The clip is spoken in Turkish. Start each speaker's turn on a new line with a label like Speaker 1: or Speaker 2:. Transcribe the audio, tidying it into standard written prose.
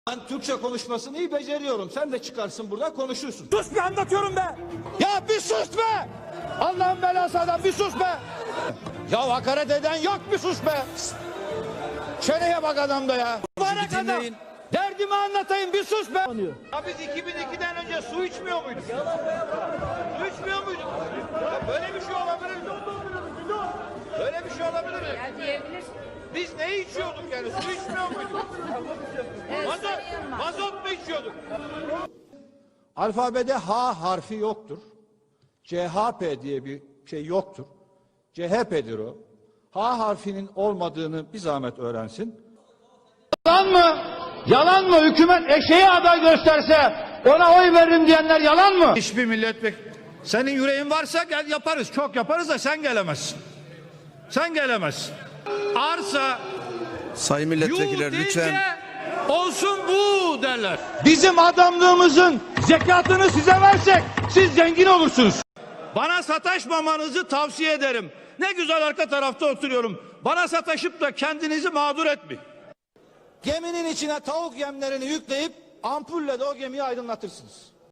Speaker 1: Ben Türkçe konuşmasını iyi beceriyorum. Sen de çıkarsın burada konuşursun.
Speaker 2: Sus bir anlatıyorum be.
Speaker 1: Ya bir sus be! Allah'ın belası adam bir sus be! Ya hakaret eden yok bir sus be! Çeneye bak adamda ya! Mübarek adam! Derdimi anlatayım bir sus be! Ya biz 2002'den önce su içmiyor muyduk? Su içmiyor muyduk? Ya böyle bir şey olabilir mi? Böyle bir şey olabilir mi?
Speaker 3: Ya diyebilirsin.
Speaker 1: Biz ne içiyorduk yani? Su içmiyor muyduk? Mazot mu içiyorduk? Alfabede H harfi yoktur. CHP diye bir şey yoktur. CHP'dir o. H harfinin olmadığını bir zahmet öğrensin. Yalan mı? Yalan mı? Hükümet eşeğe aday gösterse ona oy veririm diyenler yalan mı? Hiçbir milletvekili. Senin yüreğin varsa gel yaparız. Çok yaparız da sen gelemezsin. Sen gelemezsin. Arsa
Speaker 4: Sayın milletvekiller lütfen.
Speaker 1: Olsun bu derler. Bizim adamlığımızın zekatını size versek siz zengin olursunuz. Bana sataşmamanızı tavsiye ederim. Ne güzel arka tarafta oturuyorum. Bana sataşıp da kendinizi mağdur etmeyin. Geminin içine tavuk yemlerini yükleyip ampulle de o gemiyi aydınlatırsınız.